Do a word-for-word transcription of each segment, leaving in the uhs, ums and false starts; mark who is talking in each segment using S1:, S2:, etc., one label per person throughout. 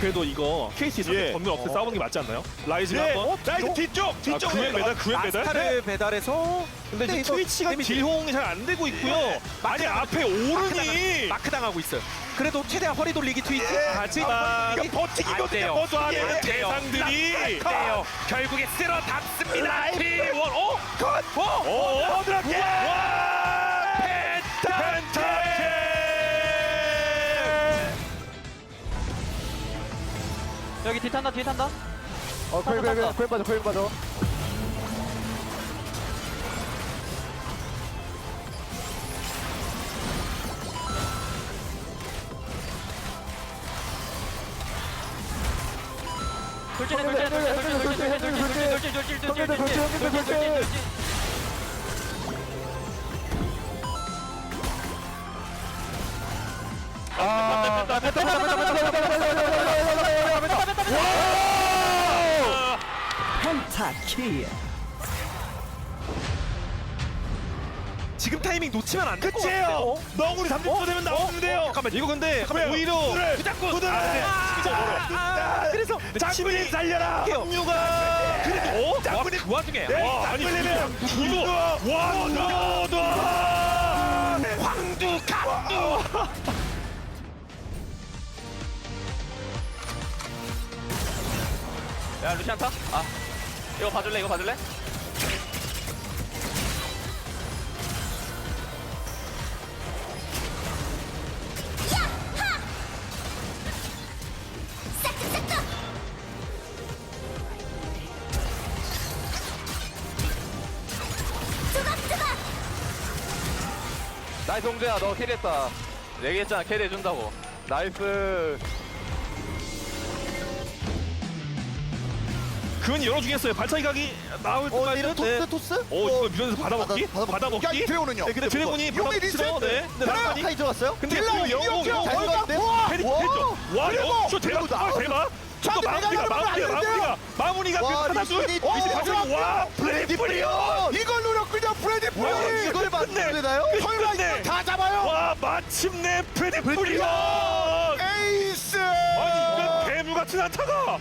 S1: 그래도 이거 케이씨 상대
S2: 예.
S1: 전면 없애
S2: 어.
S1: 싸우는 게 맞지 않나요? 라이즈가
S2: 네.
S1: 한번
S2: 어? 라이즈 뒤쪽!
S1: 아,
S2: 뒤쪽!
S1: 구획 매달, 구획 매달?
S3: 아스타를 배달해서
S1: 근데 이제
S3: 이거
S1: 트위치가
S3: 데미지-
S1: 딜호응이 잘 안 되고 있고요. 아니 앞에 오른이
S3: 마크 당하고 있어요. 그래도 최대한 허리 돌리기 트위치.
S1: 하지만
S2: 이거 버티기거든요.
S3: 안 돼요.
S2: 버텨야
S1: 하는
S2: 돼.
S1: 대상들이
S3: 돼요. 결국에 쓸어 담습니다.
S1: T 원 어?
S2: 컷!
S1: 어? 어?
S2: 어드랍게!
S1: 와! 펜타킬!
S4: 여기 뒤 탄다 뒤 탄다.
S5: 어, 코인, 코인, 코인, 코인 빠져, 코인 빠져.
S4: 돌진해 돌진해 돌진해 돌진해 돌진해 돌진해 돌진해 돌진해 돌진해 돌진해 돌진해.
S5: 아, 뺐다, 뺐다, 뺐다, 뺐다, 뺐다, 뺐다, 뺐다, 뺐다, 뺐다, 뺐다, 뺐다.
S1: 와!
S6: 펜타킬.
S1: 지금 타이밍 놓치면 안 될 것 같아요.
S2: 끝이에요! 너구리 삼 점 되면 나오는데요!
S1: 잠깐만 이거 근데
S2: 잠깐만요.
S1: 오히려
S2: 부들!
S1: 부장군
S2: 부들! 자,
S1: 그래서
S2: 장군님 살려라!
S1: 장류가 그래도 어?
S2: 장군님!
S1: 그 와중에
S2: 네,
S1: 와 아니
S2: 장군님이랑
S1: 구도 와도도
S2: 황두 강두!
S4: 야 루시안 타? 아 이거 봐줄래 이거 봐줄래?
S5: 나이스 홍재야, 너 캐리했다.
S4: 얘기했잖아 캐리 해준다고.
S5: 나이스.
S1: 근 열어주겠어요. 발차기 각이 나올
S5: 어,
S1: 때까지
S5: 이런 토스, 토스?
S1: 어 이거 밀면서 받아먹기?
S5: 받아- 받아먹기.
S1: 받아먹기?
S2: 야, 이 드래곤은요?
S1: 네, 근데 드래곤이
S2: 용이
S1: 받아먹기로
S2: 리셋!
S1: 네. 근데
S2: 하나!
S1: 라칸이
S5: 카이 들어갔어요?
S1: 근데
S2: 딜러
S1: 그 영-
S2: 이렇게
S1: 영- 영-
S5: 잘
S2: 영-
S5: 들어갔는데?
S1: 페리
S5: 와!
S1: 페리죠. 와
S2: 그리고
S1: 영초 대박
S5: 그리고
S1: 정말
S5: 나오는-
S1: 대박. 저거
S2: 저한테
S1: 마무리가
S2: 내가
S1: 마무리가
S2: 들어가면 안
S1: 마무리가 마무리가
S5: 와,
S1: 그 하나둘
S5: 리신이
S1: 이제
S5: 어,
S1: 마지막 와 프레디 프리온
S2: 이걸 노렸군요, 프레디
S1: 와,
S2: 프리!
S5: 이걸 맞춰야 되나요?
S2: 설마
S1: 끝내.
S2: 이거 다 잡아요?
S1: 와 마침내 프레디 프리온
S2: 에이스!
S1: 아니 이건 괴물 같은 안타가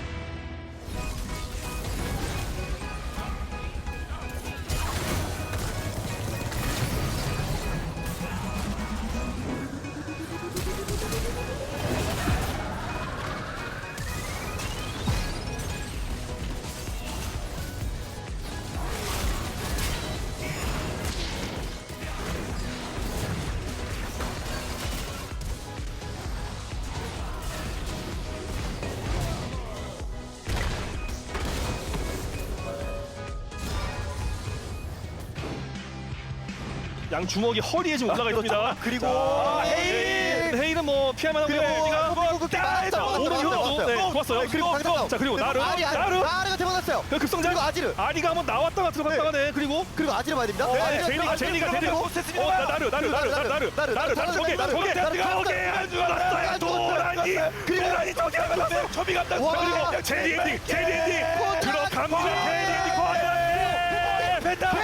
S1: 양 주먹이 허리에 지금 올라가 있습니다.
S5: 그리고
S1: 자,
S5: 헤일!
S1: 헤일은 뭐 피할만한
S5: 그리고
S1: 헤일이가
S5: 그리고
S1: 따에서
S5: 맞았어요,
S1: 오른
S5: 맞았어요,
S1: 효도 네,
S5: 맞았어요.
S1: 좋았어요.
S5: 그리고
S1: 또,
S5: 방금
S1: 또, 자 그리고 나르
S5: 아리, 아리,
S1: 나르
S5: 아리가 대박났어요.
S1: 그 급성장
S5: 그리고 아지르.
S1: 아리가 한번 나왔다가 들어갔다가 네 그리고
S5: 그리고 아지를 봐야 됩니다.
S1: 네,
S5: 아지르가
S1: 제니가
S5: 들어가고
S1: 제니가 제니가
S5: 들어가고
S1: 어 나- 나르 나르 나르 나르 나르 나르 나르 나르 저게
S5: 나르,
S1: 저게
S5: 나르,
S1: 저게
S5: 나르,
S1: 안 죽었어요 도라니 도라니 저게 안 죽었어요 저비 간다
S5: 와.
S1: 그리고 제니 엔딩 제니 엔딩 들어갑니다 제니 엔딩 과연